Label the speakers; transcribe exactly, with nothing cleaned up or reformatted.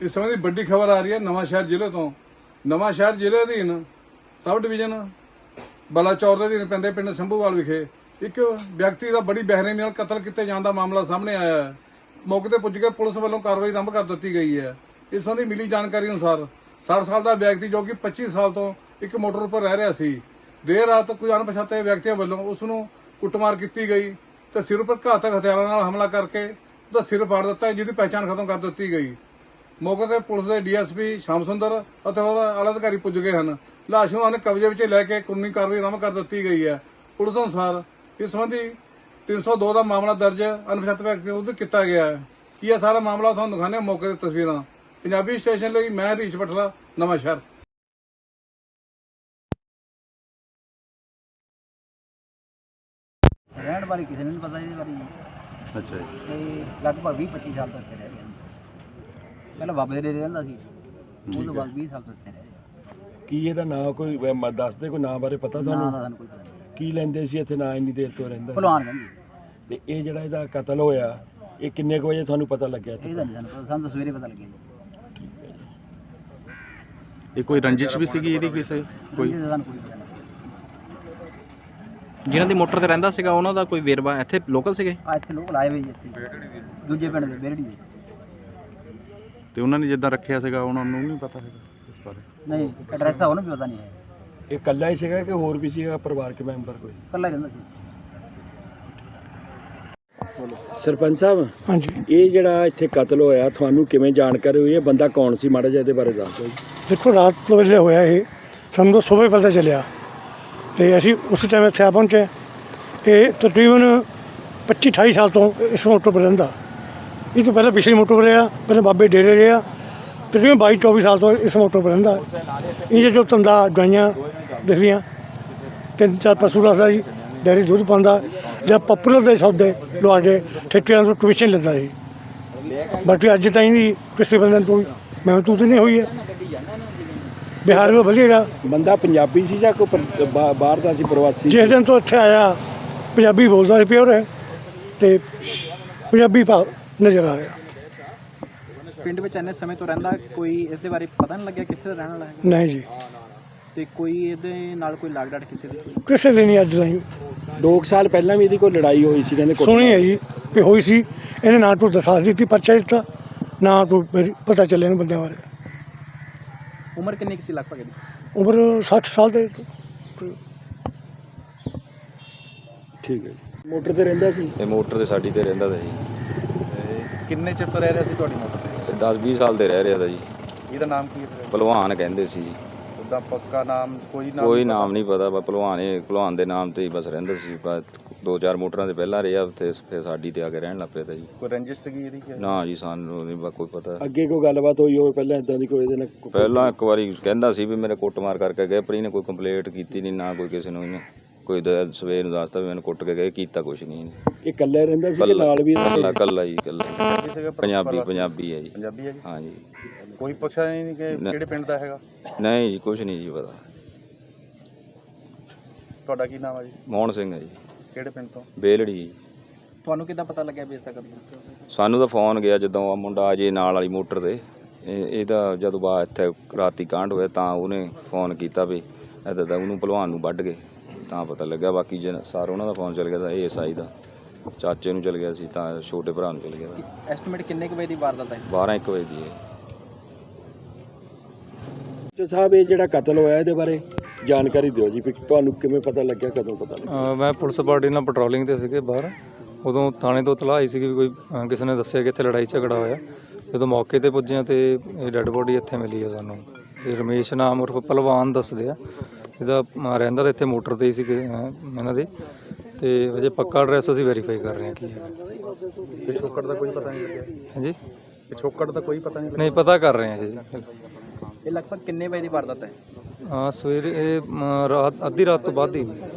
Speaker 1: इस संबंधी बड़ी खबर आ रही है नवांशहर जिले तो। नवांशहर जिले अधीन सब डिवीजन बलाचौर के अधीन पैंदे पिंड संभूवाल विखे एक व्यक्ति का बड़ी बेरहमी नाल कतल किए जाने का मामला सामने आया है। मौके पर पुज के पुलिस वालों कार्रवाई आरंभ कर दी गई है। इस संबंधी मिली जानकारी अनुसार साठ साल का व्यक्ति जो कि पच्चीस साल तो एक मोटर पर रह रहा सी, देर रात कुछ अणपछाते व्यक्तियों वालों उसनों कुटमार की गई तो सिर पर घातक हथियारों नाल हमला करके उसका सिर फाड़ दिता है, जिसकी पहचान खत्म कर दी गई। मौके पर पुलिस के डी एस पी श्याम सुंदर और आला अधिकारी पुज गए हैं। लाश नूं उन्होंने कब्जे में लैके कानूनी कार्रवाई आरंभ कर दी गई है। पुलिस अनुसार इस संबंधी तीन सौ दो का मामला दर्ज अणपछाते व्यक्ति विरुद्ध किया गया है। की है सारा मामला तुहानूं दिखाने मौके की तस्वीरां। पंजाबी स्टेशन ਲਈ मैं हरीश बठला नवांशहर।
Speaker 2: ਰਹਿਣ ਬਾਰੇ ਕਿਸੇ ਨੂੰ ਨਹੀਂ ਪਤਾ ਇਹਦੇ ਬਾਰੇ ਜੀ।
Speaker 3: ਅੱਛਾ ਜੀ।
Speaker 2: ਤੇ ਲਗਭਗ ਵੀਹ ਪੱਚੀ ਸਾਲ ਤੋਂ ਇੱਥੇ ਰਹਿ ਰਿਹਾ। ਪਹਿਲਾਂ ਬਾਬੇ ਦੇ ਡੇਰੇ ਰਹਿੰਦਾ ਸੀ, ਉਹ ਤੋਂ ਬਾਅਦ ਵੀਹ ਸਾਲ ਤੋਂ ਇੱਥੇ ਰਹਿ ਰਿਹਾ।
Speaker 3: ਕੀ ਇਹਦਾ ਨਾਂ ਕੋਈ ਮ- ਦੱਸਦੇ ਕੋਈ ਨਾਂ ਬਾਰੇ ਪਤਾ
Speaker 2: ਨਾਂ ਦਾ
Speaker 3: ਤੁਹਾਨੂੰ?
Speaker 2: ਸਾਨੂੰ ਕੋਈ ਪਤਾ ਨਹੀਂ।
Speaker 3: ਕੀ ਲੈਂਦੇ ਸੀ ਇੱਥੇ ਨਾਂ ਇੰਨੀ ਦੇਰ ਤੋਂ ਰਹਿੰਦਾ?
Speaker 2: ਭਲਵਾਨ ਕਹਿੰਦੇ
Speaker 3: ਤੇ ਇਹ ਜਿਹੜਾ ਇਹਦਾ ਕਤਲ ਹੋਇਆ ਇਹ ਕਿੰਨੇ ਕੁ ਵਜੇ ਤੁਹਾਨੂੰ ਪਤਾ ਲੱਗਿਆ ਇੱਥੇ?
Speaker 2: ਇਹਦਾ ਨਹੀਂ ਸਾਨੂੰ ਪਤਾ, ਸਾਨੂੰ ਤਾਂ ਸਵੇਰੇ ਪਤਾ ਲੱਗਿਆ ਜੀ।
Speaker 4: ਇਹ ਕੋਈ ਰੰਜਿਸ਼ ਵੀ ਸੀਗੀ ਇਹਦੀ ਕਿਸੇ ਕੋਈ
Speaker 2: ਇਹਦਾ ਸਾਨੂੰ ਕੋਈ ਪਤਾ ਨਹੀਂ।
Speaker 4: ਜਿਨ੍ਹਾਂ ਦੀ ਮੋਟਰ ਤੇ ਰਹਿੰਦਾ ਸੀਗਾ ਉਹਨਾਂ ਦਾ ਕੋਈ ਵੇਰਵਾ ਇੱਥੇ ਲੋਕਲ ਸੀਗੇ
Speaker 2: ਆ ਇੱਥੇ ਲੋਕ ਲਾਏ ਹੋਏ ਜੀ ਇੱਥੇ ਦੂਜੇ ਪਿੰਡ ਦੇ ਬੇਰੜੀ ਦੇ।
Speaker 4: ਤੇ ਉਹਨਾਂ ਨੇ ਜਿੱਦਾਂ ਰੱਖਿਆ ਸੀਗਾ ਉਹਨਾਂ ਨੂੰ ਨਹੀਂ ਪਤਾ ਹੈਗਾ ਇਸ ਬਾਰੇ?
Speaker 2: ਨਹੀਂ ਐਡਰੈਸ ਤਾਂ ਉਹਨੂੰ ਵੀ ਪਤਾ ਨਹੀਂ ਹੈ।
Speaker 3: ਇਹ ਇਕੱਲਾ ਹੀ ਸੀਗਾ ਕਿ ਹੋਰ ਵੀ ਸੀਗਾ ਪਰਿਵਾਰਕ ਮੈਂਬਰ ਕੋਈ?
Speaker 2: ਇਕੱਲਾ ਹੀ ਰਹਿੰਦਾ ਸੀ।
Speaker 3: ਸਰਪੰਚ ਸਾਹਿਬ,
Speaker 5: ਹਾਂਜੀ,
Speaker 3: ਇਹ ਜਿਹੜਾ ਇੱਥੇ ਕਤਲ ਹੋਇਆ ਤੁਹਾਨੂੰ ਕਿਵੇਂ ਜਾਣਕਾਰੀ ਹੋਈ? ਇਹ ਬੰਦਾ ਕੌਣ ਸੀ, ਮਾੜਾ ਜਿਹਾ ਇਹਦੇ ਬਾਰੇ ਦੱਸ ਦਿਓ ਜੀ।
Speaker 5: ਦੇਖੋ ਰਾਤ ਵੇਲੇ ਹੋਇਆ ਇਹ, ਸਾਨੂੰ ਤਾਂ ਸਵੇਰੇ ਪਤਾ ਚੱਲਿਆ ਤੇ ਅਸੀਂ ਉਸ ਟਾਈਮ ਇੱਥੇ ਆ ਪਹੁੰਚੇ। ਇਹ ਤਕਰੀਬਨ ਪੱਚੀ ਅਠਾਈ ਸਾਲ ਤੋਂ ਇਸ ਮੋਟਰ 'ਤੇ ਰਹਿੰਦਾ। ਇਹ ਤੋਂ ਪਹਿਲਾਂ ਪਿਛਲੀ ਮੋਟਰ 'ਤੇ ਰਿਹਾ, ਪਹਿਲਾਂ ਬਾਬੇ ਡੇਰੇ ਰਿਹਾ। ਤਕਰੀਬਨ ਬਾਈ ਚੌਵੀ ਸਾਲ ਤੋਂ ਇਸ ਮੋਟਰ 'ਤੇ ਰਹਿੰਦਾ। ਇਹ ਜੋ ਧੰਦਾ ਗਾਈਆਂ ਦਿਖਦੀਆਂ, ਤਿੰਨ ਚਾਰ ਪਸ਼ੂ ਰੱਖਦਾ ਜੀ, ਡੇਅਰੀ ਦੁੱਧ ਪਾਉਂਦਾ ਜਾਂ ਪਪੂਲਰ ਦੇ ਸੌਦੇ ਲਵਾ ਕੇ ਠੇਕਿਆਂ ਤੋਂ ਕਮਿਸ਼ਨ ਲੈਂਦਾ ਸੀ। ਬਾਕੀ ਅੱਜ ਤਾਈਂ ਦੀ ਕਿਸੇ ਬੰਦੇ ਨੂੰ ਕੋਈ ਮਹਿਸੂਸ ਨਹੀਂ ਹੋਈ ਹੈ। ਬਿਹਾਰ ਵਿੱਚ ਵਧੀਆ
Speaker 3: ਬੰਦਾ ਪੰਜਾਬੀ ਸੀ ਜਾਂ ਕੋਈ ਪਰ- ਬਾ- ਬਾਹਰ ਦਾ ਸੀ, ਪ੍ਰਵਾਸੀ?
Speaker 5: ਜਿਸ ਦਿਨ ਤੋਂ ਇੱਥੇ ਆਇਆ ਪੰਜਾਬੀ ਬੋਲਦਾ ਸੀ ਪਿਓਰ ਹੈ ਤੇ ਪੰਜਾਬੀ ਭਾਵ ਨਜ਼ਰ ਆ ਰਿਹਾ।
Speaker 6: ਪਿੰਡ ਵਿੱਚ ਇੰਨੇ ਸਮੇਂ ਤੋਂ ਰਹਿੰਦਾ, ਕੋਈ ਇਸ ਦੇ ਬਾਰੇ ਪਤਾ ਨਹੀਂ ਲੱਗਿਆ ਕਿੱਥੇ ਦਾ ਰਹਿਣ ਵਾਲਾ ਹੈ?
Speaker 5: ਨਹੀਂ ਜੀ,
Speaker 6: ਤੇ ਕੋਈ ਇਹਦੇ ਨਾਲ ਕੋਈ ਲਾਗ ਡਾਟ ਕਿਸੇ ਦੀ?
Speaker 5: ਕਿਸੇ ਦੀ ਨਹੀਂ ਅੱਜ ਤਾਈਂ
Speaker 3: ਦੋ ਕੁ ਸਾਲ ਪਹਿਲਾਂ ਵੀ ਇਹਦੀ ਕੋਈ ਲੜਾਈ ਹੋਈ ਸੀ ਕਹਿੰਦੇ?
Speaker 5: ਸੁਣੀ ਹੈ ਜੀ ਕਿ ਹੋਈ ਸੀ। ਇਹਨੇ ਨਾ ਕੋਈ ਦਰਖਾਸਤ ਦਿੱਤੀ, ਪਰਚਾ ਦਿੱਤਾ, ਨਾ ਕੋਈ ਮੇਰੀ ਪਤਾ ਚੱਲਿਆ ਇਹਨਾਂ ਬੰਦਿਆਂ ਬਾਰੇ।
Speaker 6: ਉਮਰ ਕਿੰਨੀ ਕੁ ਸੀ ਲਗਭਗ ਇਹਦੀ?
Speaker 5: ਉਮਰ ਸੱਠ ਸਾਲ ਦੇ।
Speaker 3: ਠੀਕ ਹੈ ਜੀ। ਮੋਟਰ ਤੇ ਰਹਿੰਦਾ ਸੀ?
Speaker 7: ਇਹ ਮੋਟਰ ਤੇ ਸਾਡੀ ਤੇ ਰਹਿੰਦਾ ਤਾ ਜੀ।
Speaker 6: ਕਿੰਨੇ ਚਿਰ ਤੋਂ ਰਹਿ ਰਿਹਾ ਸੀ ਤੁਹਾਡੀ ਮੋਟਰ ਤੇ?
Speaker 7: ਤੇ ਦਸ ਵੀਹ ਸਾਲ ਤੇ ਰਹਿ ਰਿਹਾ ਤਾ ਜੀ।
Speaker 6: ਇਹਦਾ ਨਾਮ ਕੀ ਹੈ?
Speaker 7: ਭਲਵਾਨ ਕਹਿੰਦੇ ਸੀ।
Speaker 6: ਉਹਦਾ ਪੱਕਾ ਨਾਮ ਕੋਈ ਨਾਮ?
Speaker 7: ਕੋਈ ਨਾਮ ਨਹੀਂ ਪਤਾ, ਬਸ ਭਲਵਾਨ ਇਹ ਭਲਵਾਨ ਦੇ ਨਾਮ ਤੇ ਹੀ ਬਸ ਰਹਿੰਦਾ ਸੀ। ਬਸ ਦੋ ਚਾਰ ਮੋਟਰਾਂ ਤੇ ਪਹਿਲਾਂ ਰਿਹਾ ਉੱਥੇ, ਫਿਰ ਸਾਡੀ ਤੇ ਆ ਕੇ ਰਹਿਣ ਲੱਗ ਪਿਆ ਤਾ ਜੀ।
Speaker 6: ਕੋਈ ਰੰਜਿਸ਼ ਸੀਗੀ ਇਹਦੀ?
Speaker 7: ਨਾ ਜੀ ਸਾਨੂੰ ਨਹੀਂ ਕੋਈ ਪਤਾ।
Speaker 3: ਅੱਗੇ ਕੋਈ ਗੱਲਬਾਤ ਹੋਈ ਹੋਵੇ ਪਹਿਲਾਂ ਇਦਾਂ ਦੀ ਕੋਈ ਇਹਦੇ ਨਾਲ?
Speaker 7: ਪਹਿਲਾਂ ਇੱਕ ਵਾਰੀ ਕਹਿੰਦਾ ਸੀ ਵੀ ਮੇਰੇ ਕੁੱਟਮਾਰ ਕਰਕੇ ਗਏ, ਪਰ ਇਹਨੇ ਕੋਈ ਕੰਪਲੇਂਟ ਕੀਤੀ ਨਹੀਂ, ਨਾ ਕੋਈ ਕਿਸੇ ਨੂੰ ਇਹਨੇ ਕੋਈ ਦ- ਸਵੇਰ ਨੂੰ ਦੱਸਦਾ ਵੀ ਮੈਨੂੰ ਕੁੱਟ ਕੇ ਗਏ, ਕੀਤਾ ਕੁਛ ਨਹੀਂ ਇਹਨੇ।
Speaker 3: ਇਹ ਇਕੱਲੇ ਰਹਿੰਦਾ ਸੀ ਕਿ ਨਾਲ ਵੀ?
Speaker 7: ਕੱਲਾ ਕੱਲਾ ਜੀ ਕੱਲਾ। ਪੰਜਾਬੀ ਪੰਜਾਬੀ ਹੈ ਜੀ।
Speaker 6: ਪੰਜਾਬੀ ਹੈ ਜੀ?
Speaker 7: ਹਾਂ ਜੀ।
Speaker 6: ਕੋਈ ਪੁੱਛਿਆ ਨਹੀਂ ਕਿ
Speaker 7: ਨਾ।
Speaker 6: ਕਿਹੜੇ ਪਿੰਡ ਦਾ ਹੈਗਾ?
Speaker 7: ਨਹੀਂ ਜੀ ਕੁਛ ਨਹੀਂ ਜੀ ਪਤਾ।
Speaker 6: ਤੁਹਾਡਾ ਕੀ ਨਾਮ ਹੈ ਜੀ?
Speaker 7: ਮੋਹਨ ਸਿੰਘ ਹੈ ਜੀ,
Speaker 6: ਕਿਹੜੇ ਪਿੰਡ ਤੋਂ?
Speaker 7: ਬੇਲੜੀ ਜੀ।
Speaker 6: ਤੁਹਾਨੂੰ ਕਿੱਦਾਂ ਪਤਾ ਲੱਗਿਆ ਵੀ ਇਸ ਦਾ ਕਤਲ?
Speaker 7: ਸਾਨੂੰ ਤਾਂ ਫੋਨ ਗਿਆ ਜਦੋਂ ਆ ਮੁੰਡਾ ਅਜੇ ਨਾਲ ਵਾਲੀ ਮੋਟਰ ਤੇ। ਇਹ ਇਹਦਾ ਜਦੋਂ ਬਾ ਇੱਥੇ ਰਾਤੀ ਕਾਂਡ ਹੋਇਆ ਤਾਂ ਉਹਨੇ ਫੋਨ ਕੀਤਾ ਵੀ ਇੱਦਾਂ ਦਾ ਉਹਨੂੰ ਭਲਵਾਨ ਨੂੰ ਵੱਢ ਗਏ, ਤਾਂ ਪਤਾ ਲੱਗਾ। ਬਾਕੀ ਜੇ ਸਾਰ ਉਹਨਾਂ ਦਾ ਫੋਨ ਚੱਲ ਗਿਆ ਤਾਂ ਇਹ ਐਸ ਆਈ ਦਾ ਚਾਚੇ ਨੂੰ ਚੱਲ ਗਿਆ ਸੀ, ਤਾਂ ਛੋਟੇ ਭਰਾ ਨੂੰ ਚੱਲ ਗਿਆ ਸੀ।
Speaker 6: ਐਸਟੀਮੇਟ ਕਿੰਨੇ ਕੁ ਵਜੇ ਦੀ ਵਾਰਦਾਤ ਹੈ?
Speaker 7: ਬਾਰਾਂ ਇੱਕ ਵਜੇ ਦੀ ਹੈ।
Speaker 3: ਜੋ ਸਾਹਿਬ ਇਹ ਜਿਹੜਾ ਕਤਲ ਹੋਇਆ ਇਹਦੇ ਬਾਰੇ ਜਾਣਕਾਰੀ ਦਿਓ ਜੀ, ਵੀ ਤੁਹਾਨੂੰ ਕਿਵੇਂ ਪਤਾ ਲੱਗਿਆ, ਕਦੋਂ ਪਤਾ ਲੱਗਿਆ?
Speaker 8: ਅ, ਮੈਂ ਪੁਲਿਸ ਪਾਰਟੀ ਨਾਲ ਪੈਟਰੋਲਿੰਗ ਤੇ ਸੀਗੇ ਬਾਹਰ। ਉਦੋਂ ਥਾਣੇ ਤੋਂ ਇਤਲਾਹ ਆਈ ਸੀ ਵੀ ਕੋਈ ਅ, ਕਿਸੇ ਨੇ ਦੱਸਿਆ ਕਿ ਇੱਥੇ ਲੜਾਈ ਝਗੜਾ ਹੋਇਆ। ਜਦੋਂ ਮੌਕੇ ਤੇ ਪੁੱਜੇ ਤੇ ਇਹ ਡੈੱਡ ਬੋਡੀ ਇੱਥੇ ਮਿਲੀ ਹੈ ਸਾਨੂੰ। ਇਹ ਰਮੇਸ਼ ਨਾਮ ਉਰਫ ਭਲਵਾਨ ਦੱਸਦੇ ਆ। ਇਹਦਾ ਅ, ਰਹਿੰਦਾ ਤਾਂ ਇੱਥੇ ਮੋਟਰ ਤੇ ਹੀ ਸੀ ਇਹਨਾਂ ਦੇ, ਤੇ ਅਜੇ ਪੱਕਾ ਐਡਰੈਸ ਅਸੀਂ ਵੈਰੀਫਾਈ ਕਰ ਰਹੇ ਹਾਂ ਕੀ ਹੈ।
Speaker 6: ਪਿਛੋਕੜ ਦਾ ਕੋਈ ਪਤਾ ਨਹੀਂ ਲੱਗਿਆ?
Speaker 8: ਹਾਂਜੀ,
Speaker 6: ਪਿਛੋਕੜ ਦਾ ਕੋਈ ਪਤਾ ਨਹੀਂ
Speaker 8: ਨਹੀਂ ਪਤਾ ਕਰ ਰਹੇ ਹਾਂ ਜੀ।
Speaker 6: ਇਹ ਲਗਭਗ ਕਿੰਨੇ ਵਜੇ ਦੀ ਵਾਰਦਾਤ ਹੈ?
Speaker 8: ਹਾਂ ਸਵੇਰੇ ਇਹ ਅ, ਰਾਤ ਅੱਧੀ ਰਾਤ ਤੋਂ ਬਾਅਦ ਹੀ